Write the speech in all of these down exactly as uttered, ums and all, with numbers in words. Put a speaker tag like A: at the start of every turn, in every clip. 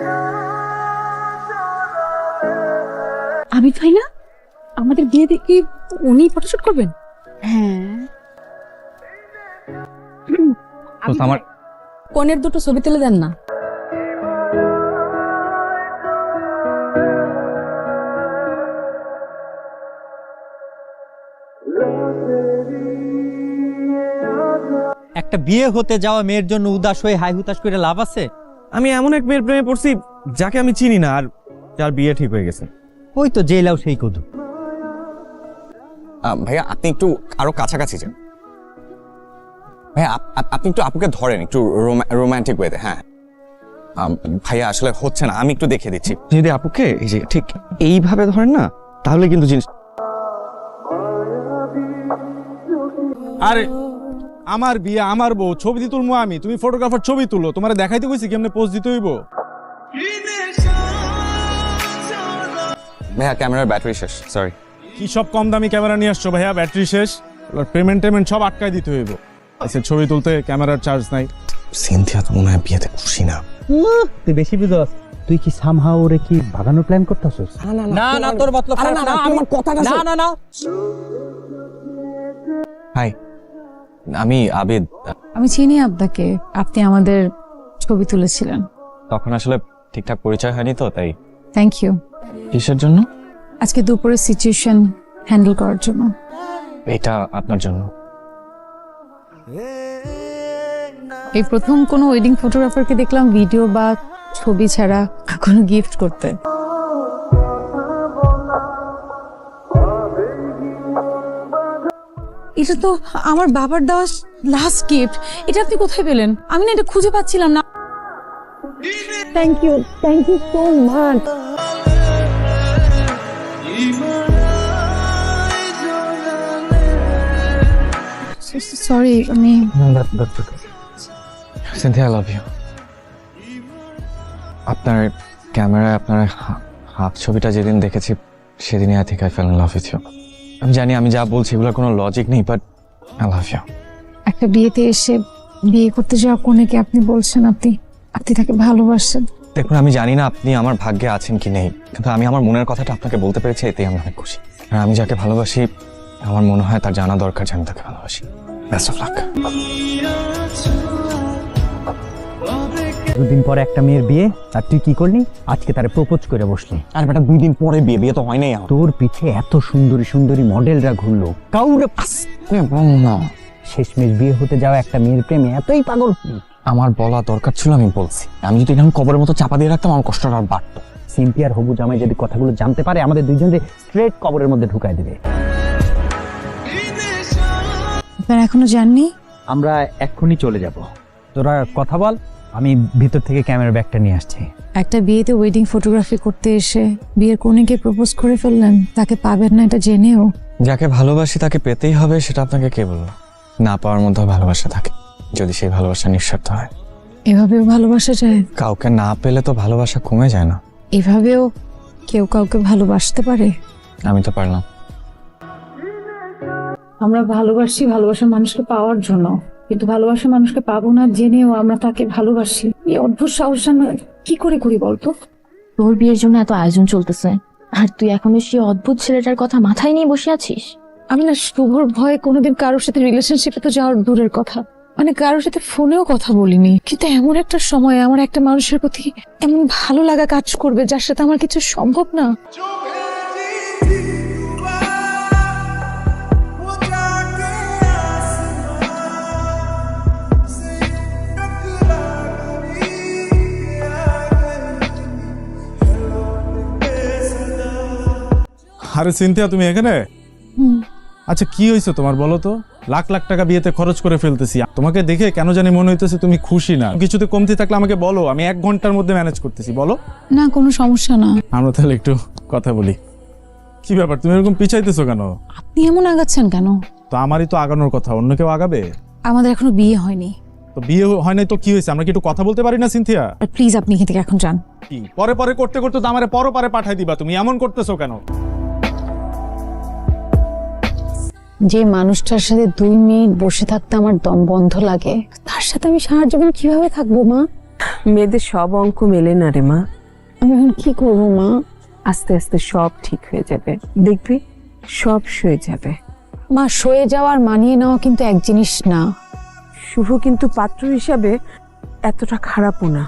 A: আবিদ ভাই না আমাদের বিয়ে দেখি উনি ফটোশুট করবেন? হ্যাঁ।
B: আমার
A: কনের দুটো ছবি তুলে দেন না।
B: একটা বিয়ে হতে যাওয়া মেয়ের জন্য উদাস হয়ে হাই হুতাশ করে লাভ আছে?
C: আমি এমন এক মেয়ের প্রেমে পড়ছি যাকে আমি চিনি না, আর যার বিয়ে ঠিক হয়ে গেছে।
B: ওই তো জেলাও সেই কদু।
D: ভাইয়া আপনি একটু আরো কাছাকাছি যান। ভাইয়া আপনি একটু আপুকে ধরেন একটু রোমান্টিক ওয়েতে। হ্যাঁ ভাইয়া আসলে হচ্ছে না, আমি একটু দেখিয়ে দিচ্ছি।
C: যদি আপুকে এই যে ঠিক এইভাবে ধরেন না, তাহলে কিন্তু জিনিস।
E: আরে আমার বিয়ে আমার বউ, ছবি দি তুলবো আমি, তুমি ফটোগ্রাফার ছবি তুলো, তোমার দেখাইতে কইছি কেমনে পোজ দিতে হইব।
D: ভাইয়া ক্যামেরার ব্যাটারি শেষ, সরি।
E: কি সব কম দামি ক্যামেরা নিয়ে আসছো ভাইয়া, ব্যাটারি শেষ, পেমেন্ট টেমেন্ট সব আটকাই দিতে হইব। আচ্ছা ছবি তুলতে ক্যামেরার চার্জ নাই।
D: সিনথিয়া তো মনে হয় বিয়েতে খুশি না।
B: তুই বেশি বুঝস। তুই কি সামহাও ওরে কি ভাগানোর প্ল্যান করতেছস? না না তোর মতলব না, না আমার কথাটা না না না।
D: হাই, আমি আবিদ।
A: আমি চিনি আপনাকে, আপনি আমাদের ছবি তুলেছিলেন।
D: তখন আসলে ঠিকঠাক পরিচয় হয়নি তো, তাই।
A: Thank you.
D: কিসের জন্য?
A: আজকে দুপুরের সিচুয়েশন হ্যান্ডেল করার জন্য।
D: এটা আপনার জন্য।
A: এই প্রথম কোনো ওয়েডিং ফটোগ্রাফারকে দেখলাম ভিডিও বা ছবি ছাড়া কোনো গিফট করতে। এটা তো আমার বাবার দেওয়া লাস্ট গিফট। এটা আপনি কোথায় পেলেন? আমি না এটা খুঁজে পাচ্ছিলাম না। Thank you, thank you so much. Sorry, আমি
D: সিনথিয়া, আই লাভ ইউ। আপনার ক্যামেরায় আপনার হাত ছবিটা যেদিন দেখেছি সেদিনই I think I fell in love with you. আমি জানি আমি যা বলছি এগুলোর কোনো লজিক নেই, বাট আই লাভ ইউ।
A: একটা বিয়েতে এসে বিয়ে করতে যাওয়া কনেকে আপনি বলছেন আপনি আপনি তাকে ভালোবাসেন।
D: দেখুন, আমি জানি না আপনি আমার ভাগ্যে আছেন কি নেই, কিন্তু আমি আমার মনের কথাটা আপনাকে বলতে পেরেছি, এতেই আমি অনেক খুশি। আর আমি যাকে ভালোবাসি আমার মনে হয় তার জানা দরকার যে আমি তাকে ভালোবাসি। Best of luck.
B: দুদিন পরে একটা মেয়ের বিয়ে, আর তুই কি করলি? আজকে তারে প্রপোজ করে বসলি।
D: আর বেটা দুই দিন পরে বিয়ে, বিয়ে তো হয় নাই।
B: তোর পিছে এত সুন্দরী সুন্দরী মডেলরা ঘুরলো, কাউরে
D: না
B: শেষমেশ বিয়ে হতে যাওয়া একটা মেয়ের প্রেমে এতই পাগল।
D: আমার বলা দরকার ছিল, আমি বলছি। আমি যদি এখন কবরের মতো চাপা দিয়ে রাখতাম আমার কষ্টটা আর বাড়তো।
B: সিনথিয়ার হবু জামাই যদি কথাগুলো জানতে পারে আমাদের দুইজনকে স্ট্রেট কবরের মধ্যে ঢুকাই দেবে।
A: আপনারা এখনো জাননি?
B: আমরা এক্ষুনি চলে যাব। তোরা কথা বল, আমি ভিতর থেকে ক্যামেরা ব্যাগটা নিয়ে আসছি।
A: একটা বিয়েতে ওয়েডিং ফটোগ্রাফি করতে এসে বিয়ের কনেকে প্রপোজ করে ফেললেন, তাকে পাবেন না এটা জেনেও।
D: যাকে ভালোবাসি তাকে পেতেই হবে, সেটা আপনাকে কে বলল? না পাওয়ার মধ্যে ভালোবাসা থাকে, যদি সেই ভালোবাসা নিঃস্বার্থ হয়।
A: এভাবেও ভালোবাসা যায়?
D: কাউকে না পেলে তো ভালোবাসা কমে যায় না।
A: এভাবেও কেউ কাউকে ভালোবাসতে পারে?
D: আমি তো পারলাম।
A: আমরা ভালোবাসি ভালোবাসার মানুষকে পাওয়ার জন্য, কিন্তু ভালোবাসার মানুষকে পাবো না জেনেও আমরা তাকে ভালোবাসি। এই অদ্ভুত সাহস আমরা কি করে করি বলতো?
F: তোর বিয়ের জন্য এত আয়োজন চলতেছে, আর তুই এখনো সেই অদ্ভুত ছেলেটার কথা মাথায় নিয়ে বসে আছিস।
A: আমি না শুভর ভয়ে কোনোদিন কারোর সাথে রিলেশনশিপে তো যাওয়ার দূরের কথা, মানে কারোর সাথে ফোনেও কথা বলিনি। কিন্তু এমন একটা সময় আমার একটা মানুষের প্রতি এমন ভালো লাগা কাজ করবে যার সাথে আমার কিছু সম্ভব না।
E: আরে সিনথিয়া, তুমি এখানে? আচ্ছা কি হয়েছে তোমার বলো তো? লাখ লাখ টাকা বিয়েতে খরচ করে ফেলতেছি, তোমাকে দেখে কেন জানি মনে হইতেছে তুমি খুশি না। কিছুতে কমতি থাকলে আমাকে বলো, আমি এক ঘন্টার মধ্যে ম্যানেজ করতেছি। বলো
A: না, কোনো সমস্যা না।
E: আমরা তাহলে একটু কথা বলি। কি ব্যাপার, তুমি এরকম পিছাইতেছো কেন?
A: আপনি এমন আগাচ্ছেন কেন?
E: তো আমারই তো আগানোর কথা, অন্য কেউ আগাবে?
A: আমাদের এখনো বিয়ে হয়নি।
E: তো বিয়ে হয় নাই তো কি হয়েছে? আমরা কি একটু কথা বলতে পারি না সিনথিয়া?
A: প্লিজ আপনি এখান থেকে এখন যান।
E: কি পরে পরে করতে করতে তো আমারে পর পারে পাঠাই দিবা, তুমি এমন করতেছো কেন?
A: যে মানুষটার সাথে দুই মিনিট বসে থাকতে আমার দম বন্ধ লাগে, তার সাথে আমি সারা জীবন কিভাবে থাকবো মা?
G: মেয়েদের সব অঙ্ক মেলে না রে মা।
A: আমি এখন কি করবো মা?
G: আস্তে আস্তে সব ঠিক হয়ে যাবে, দেখবি সব সয়ে যাবে।
A: মা, সয়ে যাওয়ার মানিয়ে নেওয়া কিন্তু এক জিনিস না।
G: শুভ কিন্তু পাত্র হিসাবে এতটা খারাপও না।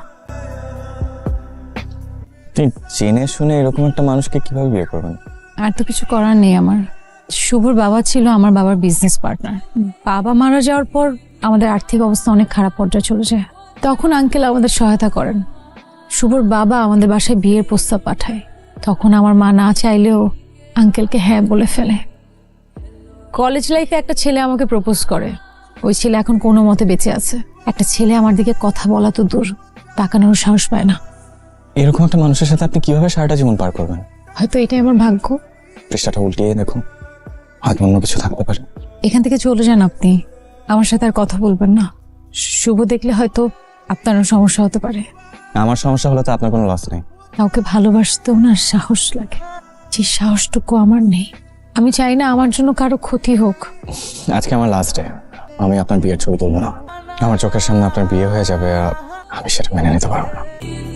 D: তুই জেনে শুনে এরকম একটা মানুষকে কিভাবে বিয়ে করবেন?
A: আর তো কিছু করার নেই আমার। শুভর বাবা ছিল আমার বাবার বিজনেস পার্টনার। বাবা মারা যাওয়ার পর আমাদের আর্থিক অবস্থা অনেক খারাপ পর্যায়ে চলে যায়। তখন আঙ্কেল আমাদের সহায়তা করেন। শুভর বাবা আমাদের বাসায় বিয়ের প্রস্তাব পাঠায়। তখন আমার মা না চাইলেও আঙ্কেলকে হ্যাঁ বলে ফেলে। কলেজ লাইফে একটা ছেলে আমাকে প্রপোজ করে। ওই ছেলে এখন কোনো মতে বেঁচে আছে। একটা ছেলে আমার দিকে কথা বলা তো দূর, তাকানোর সাহস পায় না।
D: এরকম একটা মানুষের সাথে আপনি কিভাবে সারাটা জীবন পার করবেন?
A: হয়তো এটাই আমার ভাগ্য।
D: পৃষ্ঠাটা উল্টিয়ে দেখুন, হয়তো অন্য কিছু থাকতে পারে।
A: এখান থেকে চলে যান আপনি, আমার সাথে আর কথা বলবেন না। শুভ দেখলে হয়তো আপনারও সমস্যা হতে পারে।
D: আমার সমস্যা হলে তো আপনার কোনো লস নেই।
A: কাউকে ভালোবাসতেও না সাহস লাগে, যে সাহসটুকু আমার নেই। আমি চাই না আমার জন্য কারো ক্ষতি হোক।
D: আজকে আমার লাস্ট ডে, আমি আপনার বিয়ের ছবি তুলব না। আমার চোখের সামনে আপনার বিয়ে হয়ে যাবে, আর আমি সেটা মেনে নিতে পারবো না।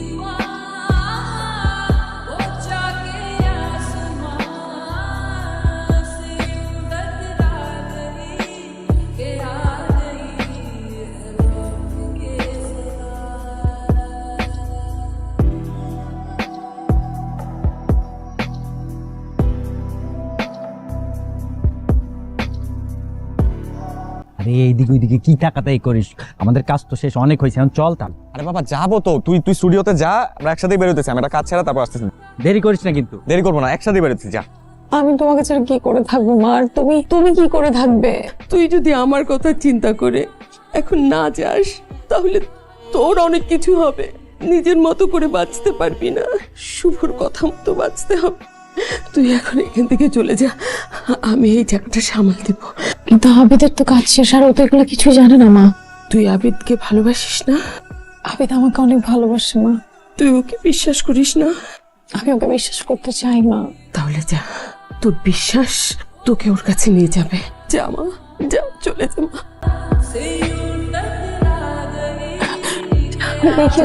B: আরে এইদিকে ওইদিকে কি টাকাটাই করিস? আমাদের কাজ তো শেষ, অনেক হয়েছে, এখন চল। তার
D: আরে বাবা যাবো তো, তুই তুই স্টুডিওতে যা, আমরা একসাথেই বেরোতেছি। আমি একটা কাজ ছাড়া তারপর আসতেছি।
B: দেরি করিস না কিন্তু।
D: দেরি করবো না, একসাথেই বেরোতেছি, যা।
A: আমি তোমাকে ছাড়া কি করে থাকবো মা? আর তুমি তুমি কি করে থাকবে?
G: তুই যদি আমার কথা চিন্তা করে এখন না যাস, তাহলে তোর অনেক কিছু হবে। নিজের মতো করে বাঁচতে পারবি না, শুভর কথা মতো বাঁচতে হবে। তুই এখন এখান থেকে চলে যা, আমি এই জায়গাটা সামাল দেব।
A: কিন্তু আবিদের তো কাজ শেষ, আর ও তো এগুলো কিছুই জানে না মা।
G: তুই আবিদকে ভালোবাসিস না?
A: আবিদ আমাকে অনেক ভালোবাসে মা।
G: তুই ওকে বিশ্বাস করিস না?
A: আমি ওকে বিশ্বাস করতে চাই মা।
G: তাহলে যা, তোর বিশ্বাস তোকে ওর কাছে নিয়ে যাবে। যা মা, যা, চলে যা মা।
A: দেখি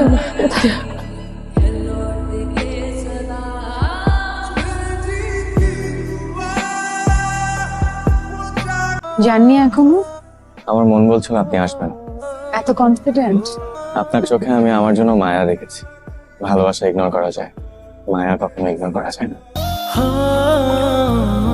A: জানি এখনো
D: আমার মন বলছিল আপনি আসবেন।
A: এত কনফিডেন্ট?
D: আপনার চোখে আমি আমার জন্য মায়া দেখেছি। ভালোবাসা ইগনোর করা যায়, মায়া কখনো ইগনোর করা যায় না।